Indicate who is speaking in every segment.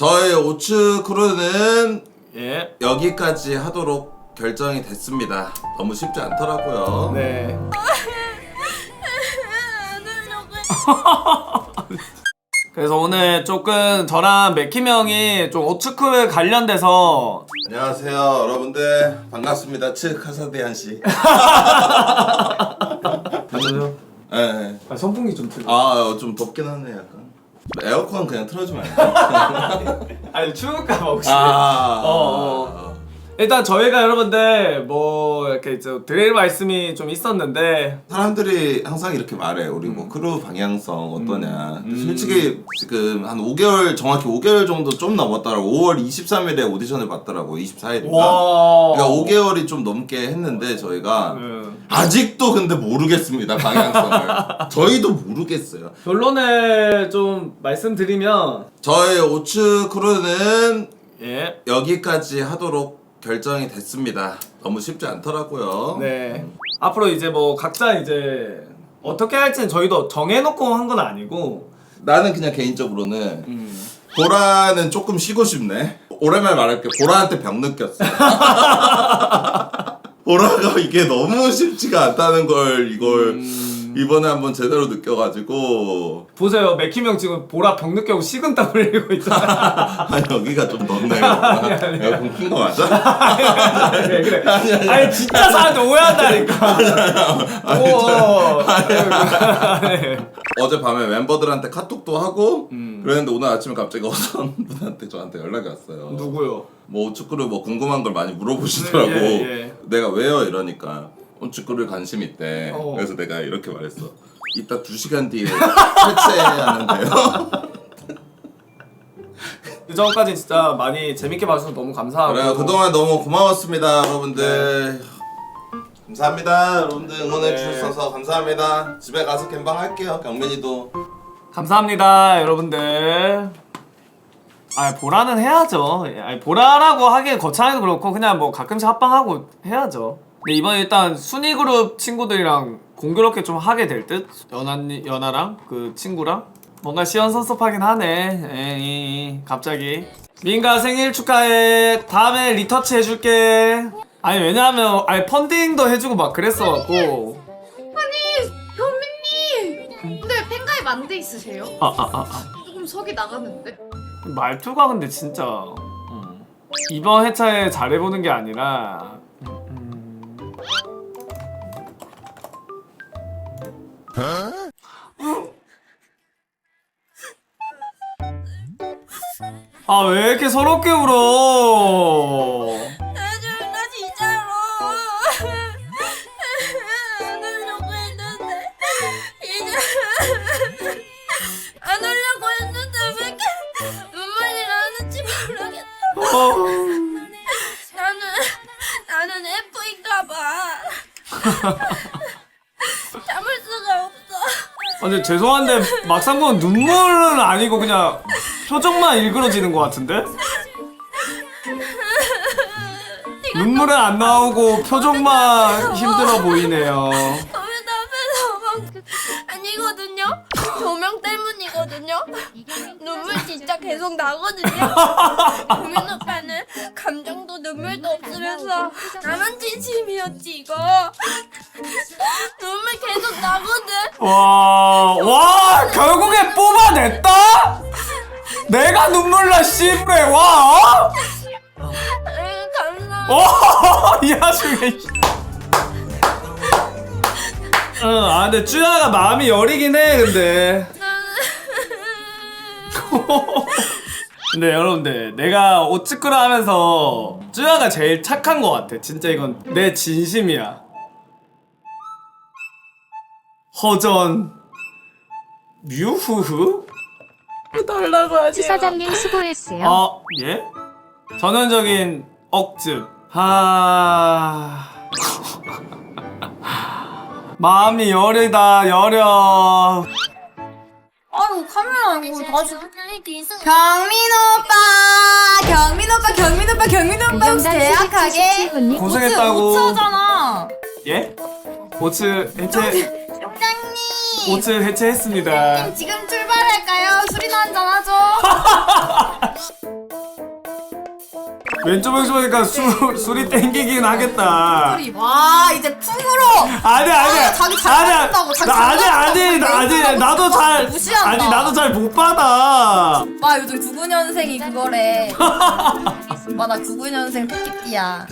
Speaker 1: 저의 오츠 크루는
Speaker 2: 예.
Speaker 1: 여기까지 하도록 결정이 됐습니다. 너무 쉽지 않더라고요.
Speaker 2: 네. 그래서 오늘 조금 저랑 맥힘 형이 좀 오츠크 관련돼서
Speaker 1: 안녕하세요 여러분들 반갑습니다. 츠 카사디안 씨.
Speaker 2: 맞아요?
Speaker 1: 네.
Speaker 2: 아, 선풍기 좀 틀어.
Speaker 1: 좀 덥긴 하네 약간. 에어컨 그냥 틀어주면 안 돼?
Speaker 2: 아니 추울까봐 혹시. 일단 저희가 여러분들 뭐 이렇게 드릴 말씀이 좀 있었는데
Speaker 1: 사람들이 항상 이렇게 말해. 우리 뭐 크루 방향성 어떠냐. 근데 솔직히 지금 한 5개월 정확히 5개월 정도 좀 넘었더라고. 5월 23일에 오디션을 봤더라고. 24일인가. 그러니까 5개월이 좀 넘게 했는데 저희가 아직도 근데 모르겠습니다 방향성을. 저희도 모르겠어요.
Speaker 2: 결론을 좀 말씀드리면
Speaker 1: 저의 오츠 크루는
Speaker 2: 예.
Speaker 1: 여기까지 하도록 결정이 됐습니다. 너무 쉽지 않더라고요.
Speaker 2: 네. 앞으로 이제 뭐 각자 이제 어떻게 할지는 저희도 정해놓고 한 건 아니고
Speaker 1: 나는 그냥 개인적으로는 보라는 조금 쉬고 싶네. 오랜만에 말할게. 보라한테 병 느꼈어. 보라가 이게 너무 쉽지가 않다는 걸 이걸 이번에 한번 제대로 느껴가지고.
Speaker 2: 보세요. 맥힘 형 지금 보라 병 느껴고 식은땀 흘리고 있잖아.
Speaker 1: 아니 여기가 좀 덥네요. 에어컨 킨 거 맞아?
Speaker 2: 그래. 아니 진짜 사람들 오해한다니까.
Speaker 1: 어젯밤에 멤버들한테 카톡도 하고 그랬는데 오늘 아침에 갑자기 어떤 분한테 저한테 연락이 왔어요.
Speaker 2: 누구요?
Speaker 1: 뭐 오츠크루 뭐 궁금한 걸 많이 물어보시더라고.
Speaker 2: 예.
Speaker 1: 내가 왜요? 이러니까 오츠크루에 관심 있대.
Speaker 2: 어.
Speaker 1: 그래서 내가 이렇게 말했어. 이따 2시간 뒤에 해체하는데요.
Speaker 2: 그 전까지 진짜 많이 재밌게 봐주셔서 너무 감사하고.
Speaker 1: 그래요. 그동안 너무 고마웠습니다, 여러분들. 감사합니다, 여러분들 응원해 주셔서 감사합니다. 집에 가서 gem방 할게요. 경민이도.
Speaker 2: 감사합니다, 여러분들. 보라는 해야죠. 보라라고 하기엔 거창해도 그렇고 그냥 뭐 가끔씩 합방하고 해야죠. 근데 이번에 일단 순위 그룹 친구들이랑 공교롭게 좀 하게 될 듯? 연아랑 그 친구랑 뭔가 시원섭섭하긴 하네. 에이, 갑자기 민가 생일 축하해. 다음에 리터치 해줄게. 아니 왜냐하면 펀딩도 해주고 막 그랬어갖고.
Speaker 3: 아니 현민님 근데 팬가입 안 돼 있으세요? 조금 석이 나가는데?
Speaker 2: 말투가 근데 진짜 이번 회차에 잘해보는 게 아니라 왜 이렇게 서럽게 울어?
Speaker 3: 나 진짜로 안 하려고 했는데 이제 안 하려고 했는데 왜 이렇게 눈물이 나는지 모르겠어. 나는 F인가봐. 참을 수가 없어.
Speaker 2: 근데 죄송한데 막상 보면 눈물은 아니고 그냥 표정만 일그러지는 것 같은데? 눈물은 안 나오고 표정만 힘들어 보이네요.
Speaker 3: 저희 앞에서 아니거든요. 조명 때문이거든요. 눈물 진짜 계속 나거든요. 국민 오빠는 감정도 눈물도 없으면서 나만 진심이었지 이거. 눈물 계속 나거든.
Speaker 2: 와 결국에 뽑아냈다? 내가 눈물 나 씨부레 와.
Speaker 3: 감사합니다.
Speaker 2: 이 와중에 근데 쭈야가 마음이 여리긴 해 근데. 근데 여러분들 내가 오츠크루 하면서 쭈야가 제일 착한 것 같아. 진짜 이건 내 진심이야. 허전 뮤후후 달라고 하지.
Speaker 4: 사장님 수고했어요.
Speaker 2: 예? 전형적인 억즙. 마음이 여리다 여려.
Speaker 3: 아유 카메라 이거 다시
Speaker 4: 경민 오빠 혹시 대학하게
Speaker 2: 고생했다고.
Speaker 3: 5차잖아.
Speaker 2: 예? 오츠 해체.
Speaker 3: 총장님
Speaker 2: 오츠 해체했습니다.
Speaker 3: 지금 출발할까요? 술이나 한잔 하죠.
Speaker 2: 왼쪽 왼쪽 보니까 술이 땡기긴 하겠다.
Speaker 3: 와 이제 퉁으로
Speaker 2: 아니
Speaker 3: 자기 잘 받는다고, 자기 잘 받는다고
Speaker 2: 나도 잘
Speaker 3: 무시한다.
Speaker 2: 아니 나도 잘 못 받아.
Speaker 3: 오빠 요즘 99년생이 그거래. 오빠 나 99년생 토끼띠야.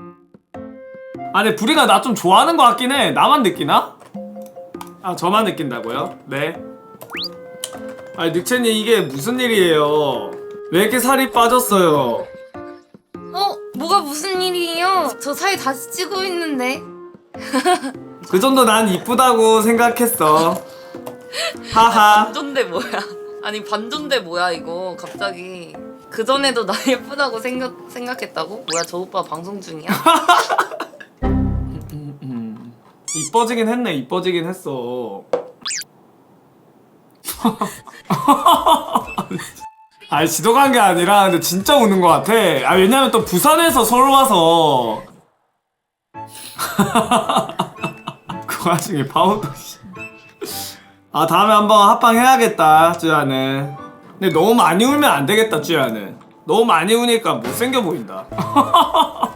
Speaker 2: 아니 부리가 나 좀 좋아하는 것 같긴 해. 나만 느끼나? 아 저만 느낀다고요? 네. 아니 늑채님 이게 무슨 일이에요? 왜 이렇게 살이 빠졌어요?
Speaker 3: 뭐가 무슨 일이에요? 저 사이 다시 찌고 있는데.
Speaker 2: 그 정도 난 이쁘다고 생각했어. 하하.
Speaker 3: 반존대 뭐야? 아니 반존대 뭐야 이거 갑자기. 그 전에도 나 예쁘다고 생각했다고? 뭐야 저 오빠 방송 중이야?
Speaker 2: 이뻐지긴 했네. 이뻐지긴 했어. 아니 지도 간 게 아니라 근데 진짜 우는 것 같아. 아 왜냐면 또 부산에서 서울 와서 그 와중에 파운드 아 다음에 한번 합방 해야겠다 쯔야는. 근데 너무 많이 울면 안 되겠다 쯔야는. 너무 많이 우니까 못생겨 보인다.